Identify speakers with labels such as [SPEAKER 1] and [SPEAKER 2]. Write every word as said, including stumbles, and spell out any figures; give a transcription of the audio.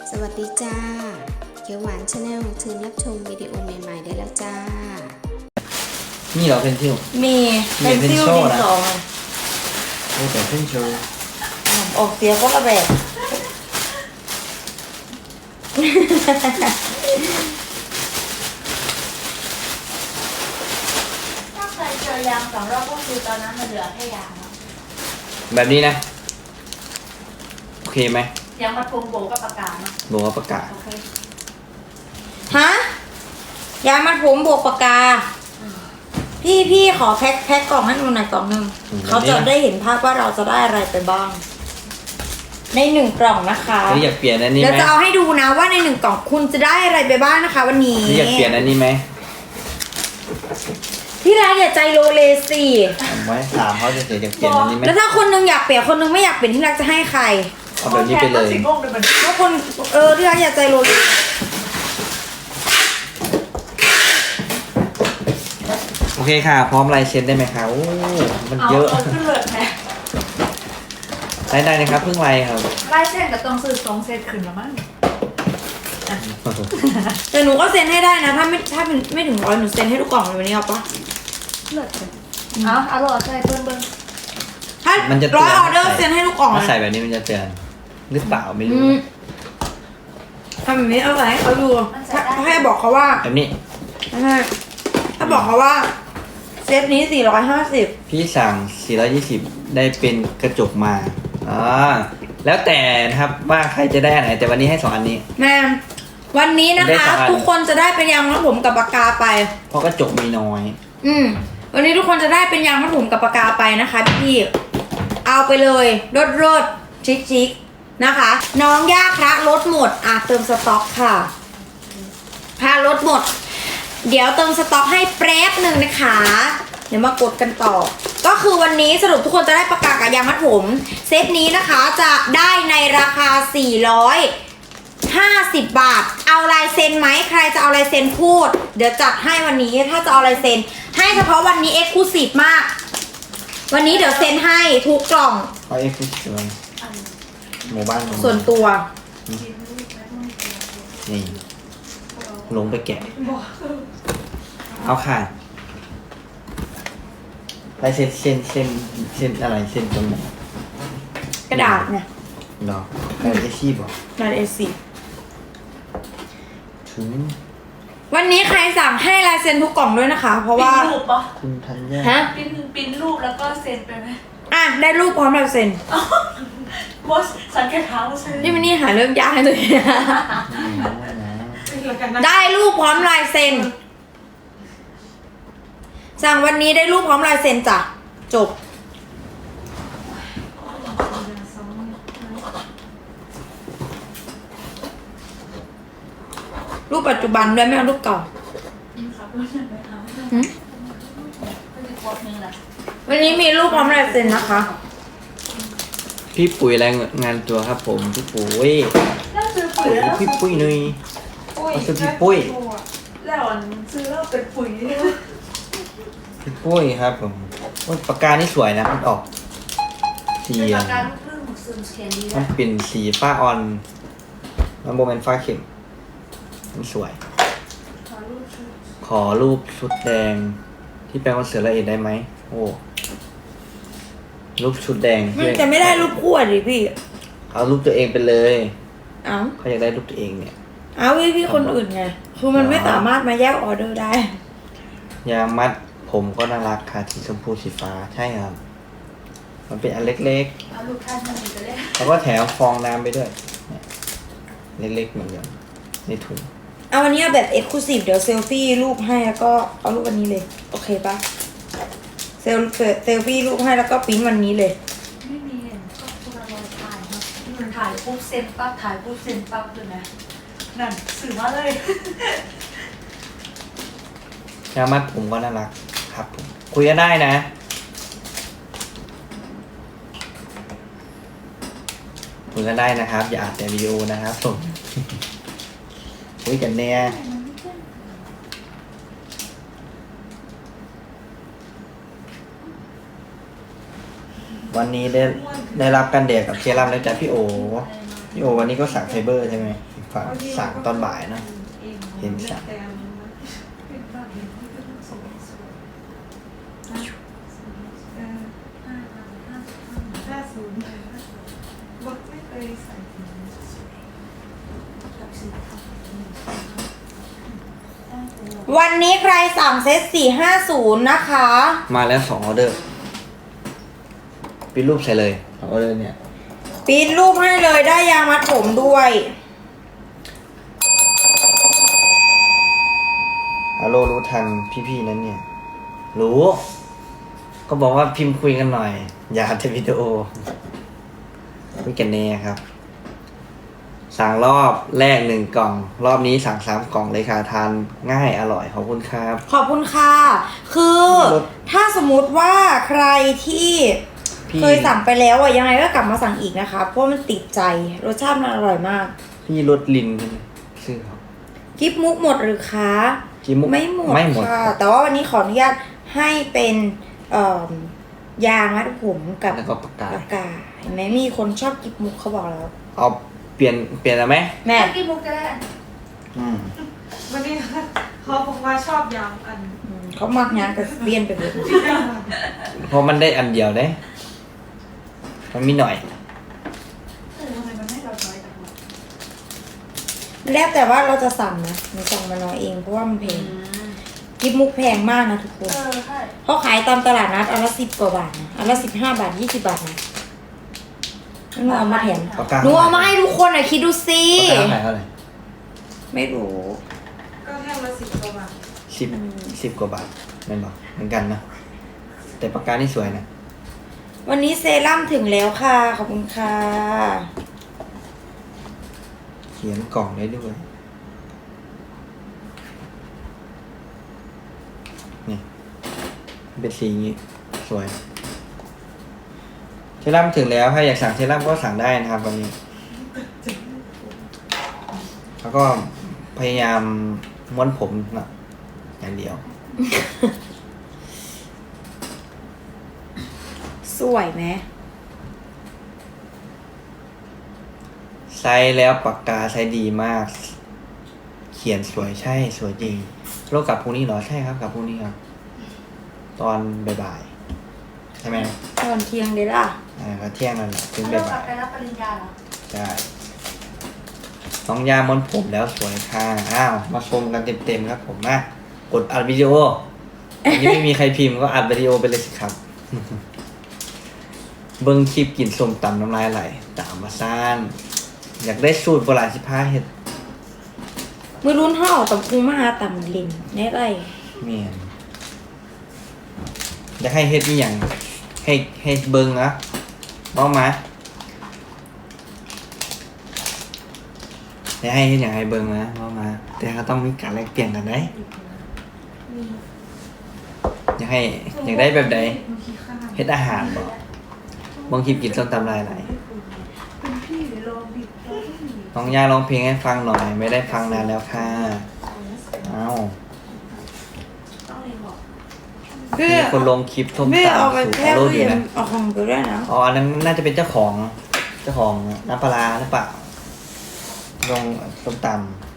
[SPEAKER 1] สวัสดีจ้าเขียวหวานชาแนลเชิญรับชมวิดีโอใหม่ๆได้แล้วจ้า
[SPEAKER 2] นี่เหรอเพนซิล
[SPEAKER 3] มีเพนซิลดินสอ
[SPEAKER 2] โอ้แต่เพนซิล
[SPEAKER 3] ออกเสียก็ระแบบ
[SPEAKER 4] ถ้าใครเจอยางสองรอบก็คือตอนนั้นมันเหลือแค่ยาง
[SPEAKER 2] แบบนี้นะโอเคไหม
[SPEAKER 4] ยางมัดพวงโบกับปากกาเนาะ
[SPEAKER 2] โบกับปากกา
[SPEAKER 4] โอเค
[SPEAKER 3] ฮะยามัดผมบวกปากกาพี่พี่ขอแพ็คแพ็คกล่องให้หนูหน่อยกล่องหนึ่งเขาจะได้เห็นภาพว่าเราจะได้อะไรไปบ้าง ในหนึ่งกล่องนะคะ
[SPEAKER 2] นี่อยากเปลี่ยนอันนี้ไหม
[SPEAKER 3] เดี๋ยวจะเอาให้ดูนะว่าในหนึ่งกล่องคุณจะได้อะไรไปบ้างนะคะ วันนี้
[SPEAKER 2] นี่อยากเปลี่ยนอันนี้ไหม
[SPEAKER 3] ที่ร้านอย่าใจโลเลสิ
[SPEAKER 2] ไว้ถามเขาจะเสียอยากเปลี่ยนอันนี้ไหม
[SPEAKER 3] แล้วถ้าคนนึงอยากเปลี่ยนคนนึงไม่อยากเปลี่ยนที่รักจะให้ใคร
[SPEAKER 2] เอาแบบนี้ไปเลย
[SPEAKER 3] ถ้าคนเออที่รักอย่าใจโลเล
[SPEAKER 2] โอเคค่ะพร้อมลายเซ็นได้ไหมคะโอ้มันเยอะ
[SPEAKER 4] ขึ้นเลยแม่
[SPEAKER 2] ได้ได้นะครับเพิ่งไลน์ครับ
[SPEAKER 4] ไล่เส้นกับตรงซื้อสองเซตขึ้นแล้วมั้ง
[SPEAKER 3] แต่หนูก็เซ็นให้ได้นะถ้าไม่ถ้าไม่ถึงร้อยหนูเซ็นให้ทุกกล่องเลยวันนี้เอาปะ
[SPEAKER 4] เลิศเลยเอาเอาหลอดใส่เบิ้งเบิ้ง
[SPEAKER 3] ถ้าร้อยออเดอร์เซ็นให้ทุกกล่อง
[SPEAKER 2] ถ้าใส่แบบนี้มันจะเตือนหรือเปล่าไม่รู้
[SPEAKER 3] ทำแบบนี้เอาไว้ให้เขาดูถ้าให้บอกเขาว่า
[SPEAKER 2] แบบนี้
[SPEAKER 3] ถ้าบอกเขาว่าเซตนี้สี่ร้อยห้าสิบ
[SPEAKER 2] พี่สั่งสี่ร้อยยี่สิบได้เป็นกระจกมาอ่าแล้วแต่นะครับว่าใครจะได้อันไหนแต่วันนี้ให้สองอันนี้
[SPEAKER 3] แม่วันนี้นะคะทุกคนจะได้เป็นยางมัดผมกับปากกาไป
[SPEAKER 2] เพราะกระจกมีน้อย
[SPEAKER 3] อืมวันนี้ทุกคนจะได้เป็นยางมัดผมกับปากกาไปนะคะพี่เอาไปเลยรดรดชิคชิคนะคะน้องย่าคระลดหมดอ่ะเติมสต็อกค่ะพาลดหมดเดี๋ยวเติมสต็อกให้แป๊บหนึ่งนะคะเดี๋ยวมากดกันต่อก็คือวันนี้สรุปทุกคนจะได้ปากกากับยางมัดผมเซตนี้นะคะจะได้ในราคาสี่ร้อยห้าสิบบาทเอาลายเซ็นไหมใครจะเอาลายเซ็นพูดเดี๋ยวจัดให้วันนี้ถ้าจะเอาลายเซ็นให้เฉพาะวันนี้เอ็กซ์คลูซีฟมากวันนี้เดี๋ยวเซ็นให้ทุกกล่อง
[SPEAKER 2] เอาเอ็กซ์คลูซีฟหมู่บ้าน
[SPEAKER 3] ส่วนตัว
[SPEAKER 2] นี่ลงไปแกะเอาค่ะลายเซ็นเซ็นเซ็นเซ็นอะไรเซ็นตรงไหน
[SPEAKER 3] กระดาษเนี่ย
[SPEAKER 2] เนาะกระดาษเอชีบหร
[SPEAKER 3] อกระดาษเอซี
[SPEAKER 2] ถึง
[SPEAKER 3] วันนี้ใครสั่งให้ลายเซ็นทุกกล่องด้วยนะคะเพราะว่า
[SPEAKER 4] ปิ้นรูปปะ
[SPEAKER 2] คุณทันยา
[SPEAKER 3] ฮะ
[SPEAKER 4] ปิ้นปิ้นรูปแล้วก็เซ็นไปไหม
[SPEAKER 3] อ่ะได้รูปพร้อมลายเซ็น
[SPEAKER 4] บอสสังเกตเท้าใช่
[SPEAKER 3] นี่มันนี่หาเรื่องยากให้เลยได้รูปพร้อมลายเซ็นสั่งวันนี้ได้รูปพร้อมลายเซ็นจ้ะจบรูปปัจจุบันด้วยไม่เอารูปเก่าวันนี้มีรูปพร้อมลายเซ็นนะคะ
[SPEAKER 2] พี่ปุ๋ยแรงงานตัวครับผมพี่ปุ๋ยพี่ปุ้ยหน่อยเอาซื้อพี่ปุ้ย
[SPEAKER 4] แล้วซื้อแล้วเป็นปุ๋ย
[SPEAKER 2] พี่ปุ้ยครับผมปากกานี่สวยนะมันออกสีมันเป็นสีฟ้าออนมันโมเมนต์ฟ้าเข็มมันสวยขอรูปชุดแดงที่แปลว่าเสือละเอียดได้ไหมโอ้รูปชุดแดง
[SPEAKER 3] มันจะไม่ได้รูปคู่อ่ะดิพี่
[SPEAKER 2] เอารูปตัวเองไปเลย
[SPEAKER 3] เอ้า
[SPEAKER 2] เขาอยากได้รูปตัวเองเนี่ย
[SPEAKER 3] เอาพี่พี่คนอื่นไงคือมันไม่สามารถมาแยกออเดอร์ได้
[SPEAKER 2] ยางมัดผมก็น่ารักค่ะสีชมพูสีฟ้าใช่ครับมันเป็นอันเล็กๆเอาลูกท่านมันจะเล็กแล้วก็แถมฟองน้ำไปด้วยเล็กๆเหมือนกันในถุง
[SPEAKER 3] เอาวันนี้แบบเอ็กซ์คลูซีฟเดี๋ยวเซลฟี่รูปให้แล้วก็เอารูปวันนี้เลยโอเคปะเซลเซลฟี่รูปให้แล้วก็ปริ้นวันนี้เลย
[SPEAKER 4] ไม่มีก็คุณเราถ่ายครับมันถ่ายปุ๊บเซ็นปั๊บถ่ายปุ๊บเซ็นปั๊บเลยนะนั่นสื่อมาเลย
[SPEAKER 2] ยางมัดผมก็น่ารักครับผมคุยกันได้นะคุยกันได้นะครับอย่าอัดแต่วิดีโอนะครับผมคุยกันแน่วันนี้ได้ได้รับการแดกกับเซรั่มแล้วจากพี่โอพี่โอวันนี้ก็สั่งไฟเบอร์ใช่ไหมฝากสั่งตอนบ่ายนะ เห็นสั่ง
[SPEAKER 4] ห้าศูนย์บดไม่เคยใส่ถุง
[SPEAKER 3] วันนี้ใครสั่งเซตสี่ห้าศูนย์นะคะ
[SPEAKER 2] มาแล้วสองออเดอร์ปิดรูปใส่เลยสองออเดอร์เนี่ย
[SPEAKER 3] ปริ้นรูปให้เลยได้ยางมัดผมด้วย
[SPEAKER 2] ฮัลโหลรู้ทันพี่ๆนั้นเนี่ย รู้ ก็บอกว่าพิมพ์คุยกันหน่อย อย่าอัดวิดีโอคุยกันแน่ครับ สั่งรอบแรกหนึ่งกล่อง รอบนี้สั่งสามกล่องเลยค่ะทานง่ายอร่อยขอบคุณครับ
[SPEAKER 3] ขอบคุณค่ะ คือ
[SPEAKER 2] รส
[SPEAKER 3] ถ้าสมมุติว่าใครที่
[SPEAKER 2] พี่
[SPEAKER 3] เคยสั่งไปแล้วอ่ะยังไงก็กลับมาสั่งอีกนะคะ เพราะมันติดใจรสชาติมันอร่อยมาก
[SPEAKER 2] พี่รสลินใช่ไหมชื่อเขา
[SPEAKER 3] กิฟมุกหมดหรือคะ
[SPEAKER 2] กิฟมุก
[SPEAKER 3] ไม่หมด
[SPEAKER 2] ไม่หมด
[SPEAKER 3] ค่ะ แต่ว่าวันนี้ขออนุญาตให้เป็นเอ่อยางมัดผมกับ
[SPEAKER 2] แล้วก็ปากกา
[SPEAKER 3] ปากกาเห็นไหมมีคนชอบกิฟมุกเขาบอกแล้ว
[SPEAKER 2] เอาเปลี่ยนเปลี่ยนแล้วไหม
[SPEAKER 3] แม่
[SPEAKER 4] แม่กินมุกจะได้
[SPEAKER 2] อืม
[SPEAKER 4] วันนี้เขาบอกว่าชอบยำอัน
[SPEAKER 3] อืมเขามักงานกับเปลี่ยนไปเลย
[SPEAKER 2] เพราะมันได้อันเดียวได้ มันมีหน่อย
[SPEAKER 4] เออทำไมมันไม่ร้อยๆจังวะ
[SPEAKER 3] แล้วแต่ว่าเราจะสั่งนะหนูสั่งมาน้อยเองเพราะว่ามันแพงกิฟมุกแพงมากนะทุกคน
[SPEAKER 4] เออใช่
[SPEAKER 3] เขาขายตามตลาดนัดอันละสิบกว่าบาทนะอันละสิบห้าบาทยี่สิบบาทนะหนูเอามาแถม
[SPEAKER 2] ปากกา
[SPEAKER 3] หนูเอามาให้ทุกคนหน่อยคิดดูสิ
[SPEAKER 2] ปากกาขายเท่าไหร่
[SPEAKER 3] ไม่รู้
[SPEAKER 4] ก็แท่งละสิบกว่าบาท
[SPEAKER 2] สิบสิบกว่าบาทไม่นบอกเหมือนกันนะ แต่ปากกานี่สวยนะ
[SPEAKER 3] วันนี้เซรั่มถึงแล้วค่ะขอบคุณค่ะ
[SPEAKER 2] เขียนกล่องได้ด้วย นี่เป็นสีอย่างนี้ สวย เทรั่มถึงแล้ว ถ้าอยากสั่งเทรั่มก็สั่งได้นะครับวันนี้ แล้วก็พยายามม้วนผมนะอย่างเดียว
[SPEAKER 3] สวยไหม
[SPEAKER 2] ใช้แล้วปากกาใช้ดีมาก เขียนสวยใช่สวยจริงโลกกลับพรุ่งนี้เหรอใช่ครับกลับพรุ่งนี้ครับ ตอนบ่ายๆใช่ไหม
[SPEAKER 3] ตอนเที่ยงเลยล่ะ
[SPEAKER 2] อ่าก็เที่ยงนั่นแหละถึง
[SPEAKER 4] เรากลั
[SPEAKER 2] บ่า
[SPEAKER 4] บ
[SPEAKER 2] ย
[SPEAKER 4] ไปรับปริญญาเหรอ
[SPEAKER 2] ๆใช่น้องยามอนผมแล้วสวยค่ะอ้าวมาชมกันเต็มๆครับผมมากดอัดวิดีโออันนี้ไม่มีใครพิมพ์ก็อัดวิดีโอไปเลยสิครับ เบิ้งคลิปกินส้มตำน้ำลายไหลตามมาซ่านอยากได้สูตรโบราณสิบห้าเห็ด
[SPEAKER 3] มือรุ่นห่อตำคุงมาหาตำลินแน่ไร
[SPEAKER 2] เมียนอยากให้เฮ็ดนี่อย่างให้ให้เบิ้งนะบ้ามาอยากให้เฮ็ดอย่างให้เบิ้งนะบ้ามา แต่ก็ต้องมีการแลกเปลี่ยนกันได้อยากให้อยากได้แบบใดเฮ็ดอาหารบ่บางทีกินส้มตำลายไหล
[SPEAKER 4] เป็นพี่หรือลองบิดเราไม่มี
[SPEAKER 2] น้องย่าร้องเพลงให้ฟังหน่อย ไม่ได้ฟังนานแล้วค่ะเอ้า
[SPEAKER 4] ต้องเรียนบอก
[SPEAKER 3] เพื่อ
[SPEAKER 2] มีคนลงคลิปส้ม
[SPEAKER 3] เพื่อเอา
[SPEAKER 2] ตำ
[SPEAKER 3] ไป
[SPEAKER 2] สู่
[SPEAKER 3] แค่
[SPEAKER 2] โล
[SPEAKER 3] ตู้
[SPEAKER 2] กอ
[SPEAKER 3] เย็
[SPEAKER 2] ยู่
[SPEAKER 3] น
[SPEAKER 2] นะ
[SPEAKER 3] เอาของไปด้วยนะ
[SPEAKER 2] อ๋ออันนั้นน่าจะเป็นเจ้าของ เจ้าของน้ำปลาร้าหรือเปล่า ลงส้มตำ